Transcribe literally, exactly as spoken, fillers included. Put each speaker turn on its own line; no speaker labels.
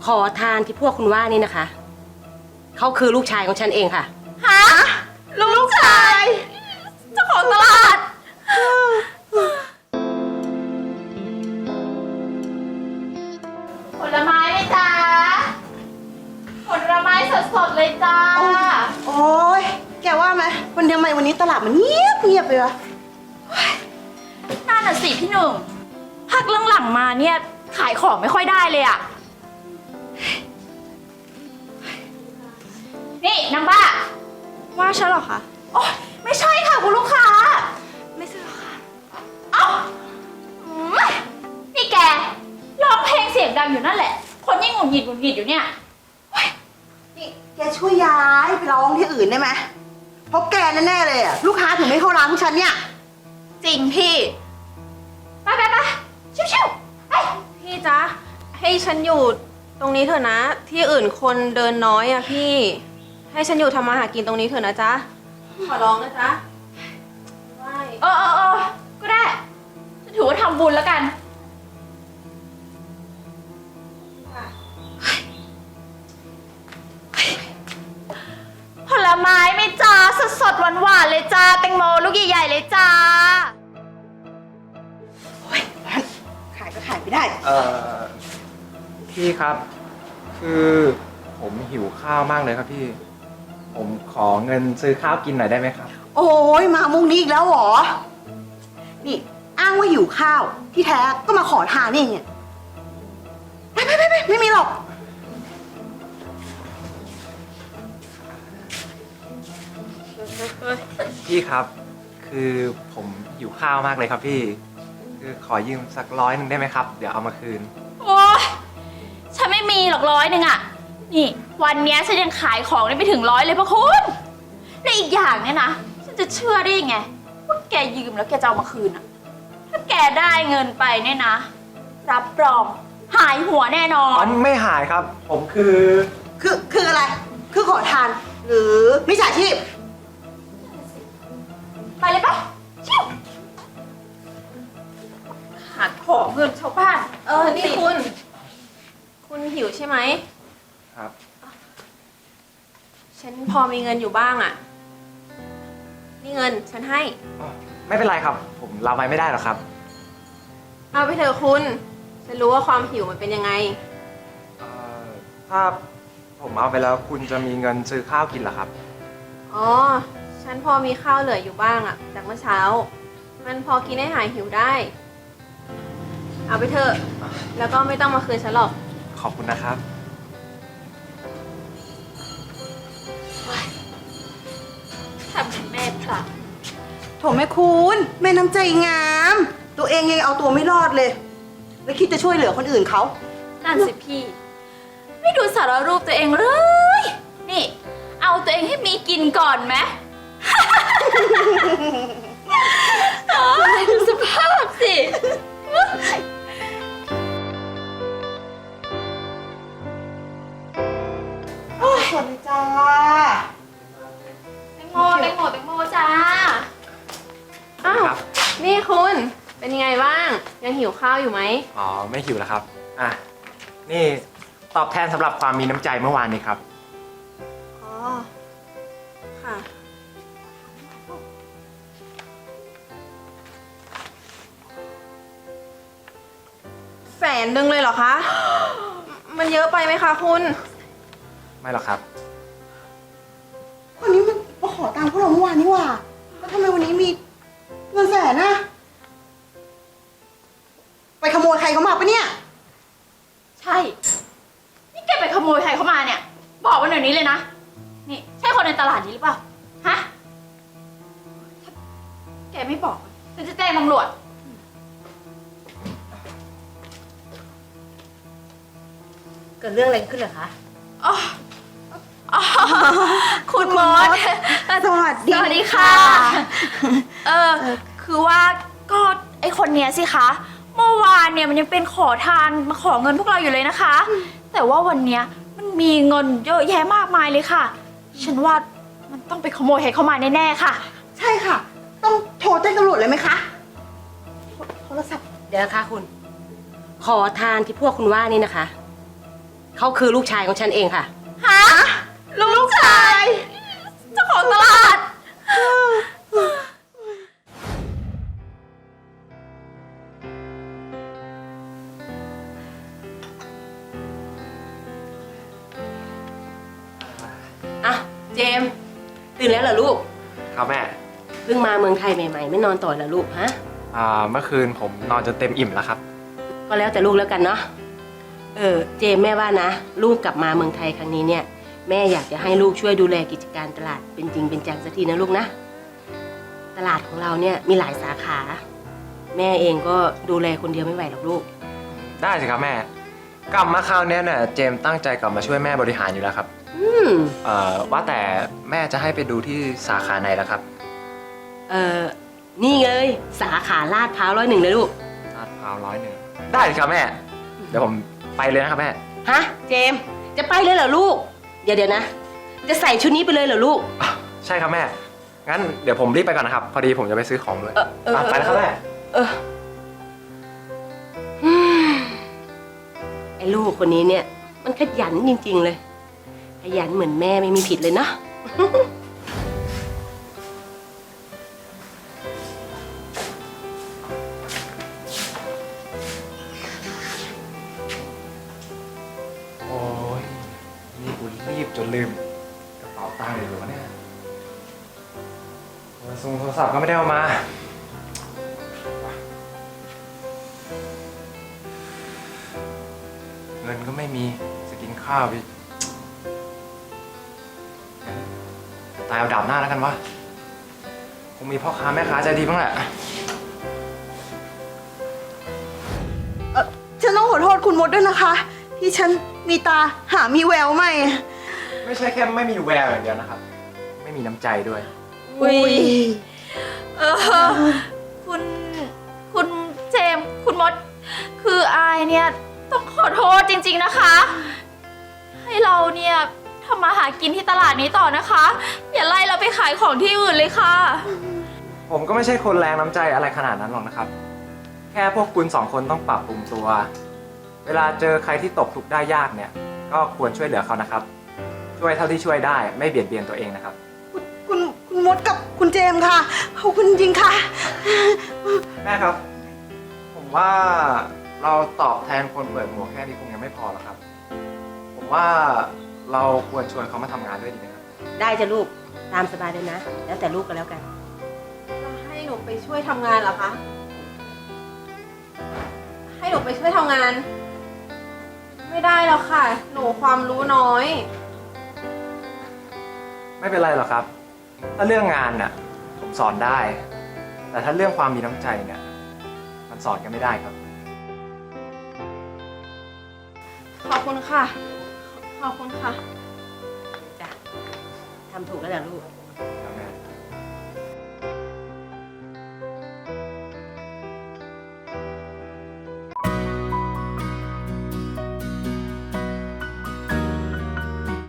ขอทานที่พวกคุณว่านี่นะคะ เขาคือลูกชายของฉันเองค่ะ
ฮะลูกชายเจ้าของตลาดผลไม้ไหมจ๊ะผลไม้สดๆเลยจ้า
โอ้ยแกว่าไหมวันทำไมวันนี้ตลาดมันเงียบเงียบไปวะ
นั่นน่ะสิพี่หนุ่มพักหลังๆมาเนี่ยขายของไม่ค่อยได้เลยอะนี่นางบ้าว่าฉันหรอคะโอ้ไม่ใช่ค่ะคุณลูกค้าไม่ใช่หรอคะเอ้าอืมนี่แกร้องเพลงเสียงดังอยู่นั่นแหละคนยิ่งหงุดหงิดหงุดหงิดอยู่เนี่ย
นี่แกช่วยย้ายไปร้องที่อื่นได้ไหมเพราะแกแน่ๆเลยอ่ะลูกค้าถึงไม่เข้าร้านของฉันเนี่ย
จริงพี่ไปไปไปชิวๆไป
พี่จ๊ะให้ฉันอยู่ตรงนี้เถอะนะ ที่อื่นคนเดินน้อยอะพี่ ให้ฉันอยู่ทำมาหากินตรงนี้เถอะนะจ๊ะขอร้องนะจ๊ะไหว้
เออเออเออก็ได้จะถือว่าทำบุญแล้วกันผลไม้ไหม่จ้าสดสดหวานหวานๆเลยจ้าแตงโมลูกใหญ่ๆเลยจ้า
โอ้ยร้านขายก็ขายไม่ได้
เอ่อพี่ครับ คือผมหิวข้าวมากเลยครับพี่ ผมขอเงินซื้อข้าวกินหน่อยได้ไหมครับ
โอ้ยมามุกนี้อีกแล้วเหรอนี่อ้างว่าหิวข้าวที่แท้ก็มาขอทานนี่เนี่ยไปไปไปไปไม่มีหรอก
พี่ครับ คือผมหิวข้าวมากเลยครับพี่ คือขอยืมสักร้อยหนึ่งได้ไหมครับ เดี๋ยวเอามาคืน
โอ๊ยฉันไม่มีหรอกร้อยหนึ่งอะนี่วันเนี้ยฉันยังขายของได้ไม่ถึงร้อยเลยพะคุณและอีกอย่างเนี่ยนะฉันจะเชื่อได้ยังไงว่าแกยืมแล้วแกจะเอามาคืนอะถ้าแกได้เงินไปเนี่ยนะ รับรองหายหัวแน่นอ
อ๋อน ไม่หายครับ ผมคือ
คือคืออะไร คือขอทาน หรือมิจฉาชีพ
ไปเลยปะชิวหาของเงินชาวบ้าน
เออนี่คุณ คุณหิวใช่ไหม
ครับ
ฉันพอมีเงินอยู่บ้างอะนี่เงินฉันให้
อ๋อไม่เป็นไรครับ ผมรับไว้ไม่ได้หรอกครับ
เอาไปเถอะคุณ ฉันรู้ว่าความหิวมันเป็นยังไง
เอ่อถ้าผมเอาไปแล้วคุณจะมีเงินซื้อข้าวกินเหรอครับ
อ๋อ ฉันพอมีข้าวเหลืออยู่บ้างอะจากเมื่อเช้า มันพอกินให้หายหิวได้ เอาไปเถอะ แล้วก็ไม่ต้องมาคืนฉันหรอก
ขอบคุณนะครับ
ทำเป็นแม่พระ
โถแม่คุณแม่น้ำใจงาม ตัวเองยังเอาตัวไม่รอดเลย แล้วคิดจะช่วยเหลือคนอื่นเขา
นั่นสิพี่ ไม่ดูสารรูปตัวเองเลย นี่ เอาตัวเองให้มีกินก่อนไหม โอ้ยดูสภาพสิ
สวัสดีจ้า
แตงโมแตงโมแตงโมจ้า
อ้าว
ครับ
นี่คุณ เป็นยังไงบ้าง ยังหิวข้าวอยู่ไหม
อ๋อ ไม่หิวแล้วครับ อ่ะ นี่ตอบแทนสำหรับความมีน้ำใจเมื่อวานนี้ครับ
อ๋อ ค่ะ แสนหนึ่งเลยเหรอคะ มันเยอะไปไหมคะคุณ
ไม่หรอกครับ
คนนี้มันมาขอตังค์พวกเราเมื่อวานนี่หว่า แล้วทำไมวันนี้มีเงินแสนนะไปขโมยใครเขามาปะเนี่ย
ใช่ นี่แกไปขโมยใครเข้ามาเนี่ย บอกมาเดี๋ยวนี้เลยนะ นี่ใช่คนในตลาดนี้หรือเปล่า ฮะถ้าแกไม่บอกฉันจะแจ้งตำรวจ
เกิดเรื่องอะไรขึ้นเหรอคะ
อ๋ออ๋อคุณมด
สวัสดี
สวัสดีค่ะ เออ คือว่าก็ไอคนเนี้ยสิคะ เมื่อวานเนี่ยมันยังเป็นขอทานมาขอเงินพวกเราอยู่เลยนะคะ แต่ว่าวันเนี้ยมันมีเงินเยอะแยะมากมายเลยค่ะ ฉันว่ามันต้องไปขโมยใครเข้ามาแน่ๆค่ะ
ใช่ค่ะ ต้องโทรแจ้งตำรวจเลยไหมคะโทโทรศัพท์
เดี๋ยวนะคะคุณ ขอทานที่พวกคุณว่านี่นะคะ เเขาคือลูกชายของฉันเองค่ะ
ฮะ ลูกชายเจ้าของตลาด
อ่ะ เจมส์ตื่นแล้วเหรอลูก
ครับแม่
เพิ่งมาเมืองไทยใหม่ๆ ไม่นอนต่อเหรอลูกฮะ
อ่า เมื่อคืนผมนอนจนเต็มอิ่มแล้วครับ
ก็แล้วแต่ลูกแล้วกันเนาะ เออ เจมส์แม่ว่านะ ลูกกลับมาเมืองไทยครั้งนี้เนี่ย แม่อยากจะให้ลูกช่วยดูแลกิจการตลาดเป็นจริงเป็นจังสักทีนะลูกนะ ตลาดของเราเนี่ยมีหลายสาขา แม่เองก็ดูแลคนเดียวไม่ไหวหรอกลูก
ได้สิครับแม่ กลับมาคราวเนี้ยเนี่ยเจมส์ตั้งใจกลับมาช่วยแม่บริหารอยู่แล้วครับ
อืม
เอ่อ ว่าแต่แม่จะให้ไปดูที่สาขาไหนล่ะครับ
เออนี่เลยสาขาลาดพร้าวร้อยหนึ่งเลยลูก
ลาดพร้าวร้อยหนึ่งได้สิครับแม่ เดี๋ยวผมไปเลยนะครับแม่
ฮะ เจมส์จะไปเลยเหรอลูก เดี๋ยวเดี๋ยวนะ จะใส่ชุดนี้ไปเลยเหรอลูก
อ่ะใช่ครับแม่ งั้นเดี๋ยวผมรีบไปก่อนนะครับ พอดีผมจะไปซื้อของด้วย
เออเออ
อ่ะไปแล้วครับแม่
เอออืมไอ้ลูกคนนี้เนี่ย มันขยันจริงๆเลย ขยันเหมือนแม่ไม่มีผิดเลยเนาะ
โอ้ยนี่กูรีบจนลืมกระเป๋าตังค์เลยเหรอวะเนี่ยโทรศัพท์โทรศัพท์ก็ไม่ได้เอามา เงินก็ไม่มีจะกินข้าวอีกงั้นตายเอาดาบหน้าแล้วกันวะคงมีพ่อค้าแม่ค้าใจดีบ้างแหละ
เออฉันต้องขอโทษคุณมดด้วยนะคะ ที่ฉันมีตาหามีแววไม่
ไม่ใช่แค่ไม่มีแววอย่างเดียวนะครับ ไม่มีน้ำใจด้วย
อุ้ย เออ คุณ คุณเจมส์คุณมด คืออายเนี่ย ต้องขอโทษจริงๆนะคะ ให้เราเนี่ยทำมาหากินที่ตลาดนี้ต่อนะคะ อย่าไล่เราไปขายของที่อื่นเลยค่ะ
ผมก็ไม่ใช่คนแรงน้ำใจอะไรขนาดนั้นหรอกนะครับ แค่พวกคุณสองคนต้องปรับปรุงตัว เวลาเจอใครที่ตกทุกข์ได้ยากเนี่ย ก็ควรช่วยเหลือเขานะครับ ช่วยเท่าที่ช่วยได้ ไม่เบียดเบียนตัวเองนะครับ
คุณคุณคุณมดกับคุณเจมส์ค่ะขอบคุณจริงค่ะ
แม่ครับ ผมว่าเราตอบแทนคนเปิดหมวกแค่นี้คงยังไม่พอหรอกครับ ผมว่าเราควรชวนเขามาทำงานด้วยดีไหมครับ
ได้จ้ะลูก ตามสบายเลยนะ แล้วแต่ลูกก็แล้วกัน
จะให้หนูไปช่วยทำงานเหรอคะ ให้หนูไปช่วยทำงาน ไม่ได้แล้วค่ะ หนูความรู้น้อย
ไม่เป็นไรหรอกครับ ถ้าเรื่องงานน่ะผมสอนได้ แต่ถ้าเรื่องความมีน้ำใจเนี่ยมันสอนกันไม่ได้ครับ
ขอบคุณค่ะ ขอบคุณค่ะ
จ้ะทำถูกแล้วแหละลูก